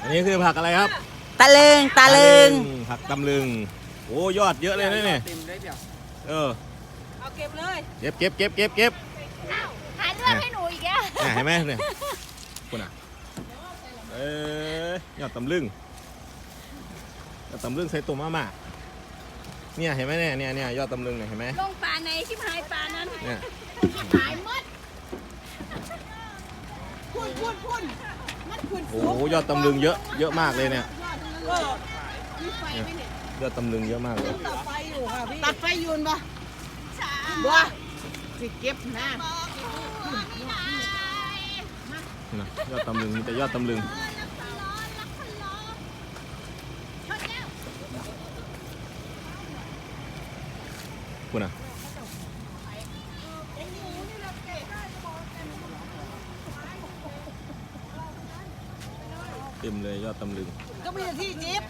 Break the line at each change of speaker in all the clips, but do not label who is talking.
นนี้คือผักอะไรครับ
ตะลึง
ผักตำลึงโอ้ยอดเยอะเลยนะเนี่ย
เอาเก็บเลย
เก็บ
หาเรื่องให้หนูอีกแล้ว
เห็นไหมเนี่ยคุณอ่ะยอดตำลึงใส่ตัวมาเนี่ยเห็นไหมเนี่ยยอดตำลึงเนี่ยเห็นไหม
ลงป่าในชิบหายป่านั้น
เนี่ย
หายหมด
พุ่นมันพุ่น
โอ้ยอดตำลึงเยอะมากเลยเนี่ย
มีไฟไหมเนี่ย
ยอดตำลึงเยอะมากเลย
ตัดไฟอยู่ค่ะพี่ตัดไฟยืนปะบัวสิเก็บนะ
นะยอดตำลึงมีแต่ยอดตำลึงคุณอ่ะเต็มเลยยอดตำลึง
ก็มีแต่ที่จิ๊บ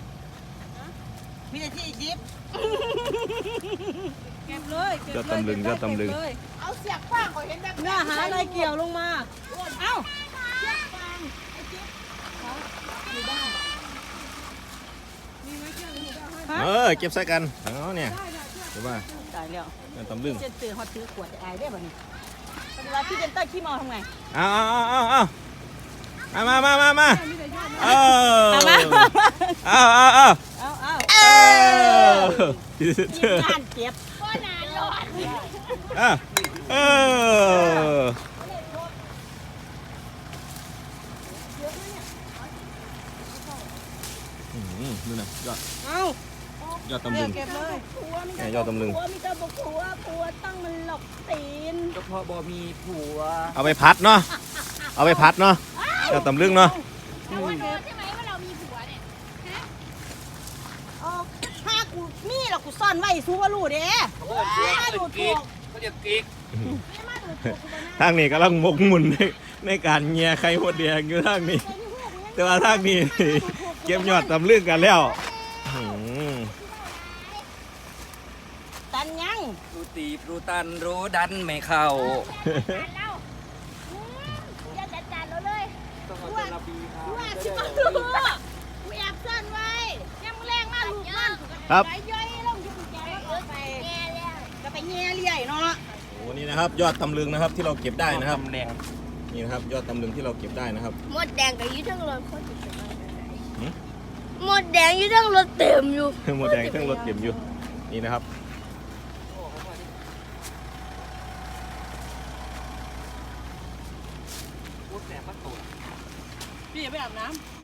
เก็บเลย
ยอดตำลึง
เอาเสียบฟางก็เห็นแบบเนื้อหาอะไรเกี่ยวลงมาเอ้าเสียบฟางไอ้จิ๊บอยู่บ้านมีไหมเชือกอยู่บ้าน
เก็บใส่กันเนี่ยเห็นป่ะ
ตายแล้ว
ยอดตำลึง
เจนตื่นฮอตถือขวดจะอายได้ป่ะนี่เวลาพี่เจนเตอร์ขี้เมาทำไง
เอามาพี่เจอ
งานเก็บ
ก็นานรอด
ดูนะยอดตำลึง
เก็บเลย
ยอดตำลึง
ผัวมีแต่บอกผัวต้องมันหลอกตีน
ก็เพราะบ่มีผัว
เอาไปพัดเนาะยอดตำลึงเนาะ
แต่ว่ารู้ใช่ไหมว่าเรามีผัวเนี่ย
ถ้ากูมีหรอกกูซ่อนไว้ซูว่ารู้เด้มาดูถูก
เขาเรียกกิ๊ก
มาดูถูกกูนะ
ทางนี้กำลังหมกมุ่นในการเงียไข่หดแดงอยู่ทางนี้ แต่ว่าทางนี้เก็บยอดตำลึงกันแล้ว
ตันยัง
รู้ตีบรู้ตันรู้ดันไม่เข้า
นานแล้วอย่าจัดเราเลย
ต้องเอาเจลาบีครับ
ว่าสิมาดูกูแอบซ่อนไว้ยังแรงมากลูกมัน
ครับ
ไปย่อยลงที่กุญแจแล้วไป
แง่แล้ว
ก็ไปแง่เลี่ยเนาะ
โอ้นี่นะครับยอดตำลึงนะครับที่เราเก็บได้นะครับ
แดง
นี่นะครับยอดตำลึงที่เราเก็บได้นะครับ
หมดแดงกับยี่ทั้งรถโคตรจะหมดแดงยี่ทั้งรถเต็มอยู่
หมดแดงเครื่องรถเก็บอยู่นี่นะครับ
พูดแสบประตู
พี่อย่าไปอาบน้ำ